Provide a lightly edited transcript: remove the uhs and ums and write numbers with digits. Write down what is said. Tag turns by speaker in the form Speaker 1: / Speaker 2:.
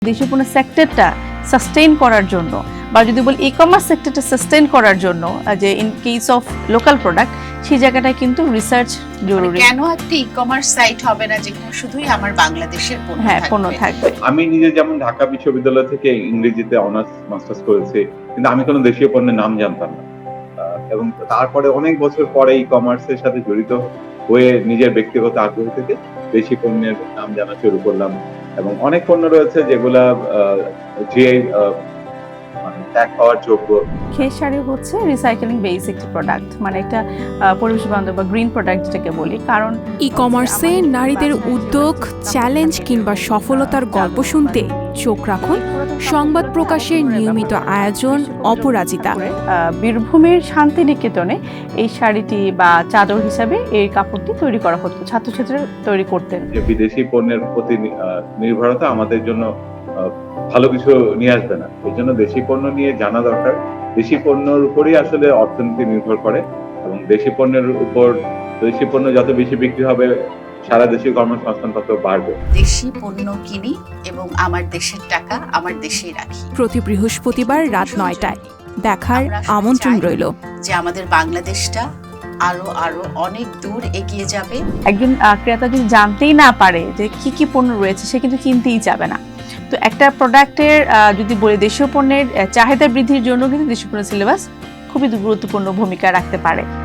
Speaker 1: দেশীয় পণ্য সেক্টরটা সাস্টেইন করার জন্য বা যদি বলি ই-কমার্স সেক্টরটা সাস্টেইন করার জন্য যে in case of local product সেই জায়গাটায় কিন্তু রিসার্চ জরুরি।
Speaker 2: কেন একটা ই-কমার্স সাইট হবে না যেখানে শুধুই আমার বাংলাদেশের
Speaker 1: পণ্য থাকবে?
Speaker 3: আমি নিজে যেমন ঢাকা বিশ্ববিদ্যালয় থেকে ইংরেজিতে অনার্স মাস্টার্স করেছি, কিন্তু আমি কোনো দেশীয় পণ্যের নাম জানতাম না। এবং তারপরে অনেক বছর পরে ই-কমার্সের সাথে জড়িত হয়ে নিজের ব্যক্তিগত আগ্রহ থেকে দেশি পণ্যের নাম জানা শুরু করলাম। এবং অনেক পণ্য রয়েছে যেগুলা যে ট্যাগ পাওয়ার যোগ্য।
Speaker 1: খেস শাড়ি হচ্ছে রিসাইকেলিং বেস একটি প্রোডাক্ট, মানে একটা পরিবেশ বান্ধব বা গ্রিন প্রোডাক্ট যেটাকে বলি। কারণ
Speaker 4: ই-কমার্সে নারীদের উদ্যোগ, চ্যালেঞ্জ কিংবা সফলতার গল্প শুনতে চোখ রাখুন সংবাদ প্রকাশের নিয়মিত আয়োজন অপরাজিতা।
Speaker 1: বীরভূমের শান্তিনিকেতনে এই শাড়িটি বা চাদর হিসাবে এই কাপড়টি তৈরি করা হতো, ছাত্রছাত্রীরা তৈরি করতেন।
Speaker 3: যে বিদেশি পণ্যের প্রতি নির্ভরতা আমাদের জন্য ভালো কিছু নিয়ে আসবে না, এই জন্য দেশি পণ্য নিয়ে জানা দরকার। দেশি পণ্যের উপরই আসলে অর্থনীতি নির্ভর করে এবং দেশি পণ্যের উপর দেশি পণ্য যত বেশি বিক্রি হবে সারা দেশে কর্মসংস্থান তত বাড়বে।
Speaker 2: দেশি পণ্য কিনি এবং আমার দেশের টাকা আমার দেশেই রাখি।
Speaker 4: প্রতি বৃহস্পতিবার রাত ৯টায় দেখার আমন্ত্রণ রইল।
Speaker 2: যে আমাদের বাংলাদেশটা আরো আরো অনেক দূর এগিয়ে যাবে।
Speaker 1: একজন ক্রেতা যদি জানতেই না পারে যে কি কি পণ্য রয়েছে, সে কিন্তু কিনতেই যাবে না। তো একটা প্রোডাক্টের যদি বলি দেশীয় পণ্যের চাহিদা বৃদ্ধির জন্য কিন্তু দেশীয় পণ্য সিলেবাস খুবই গুরুত্বপূর্ণ ভূমিকা রাখতে পারে।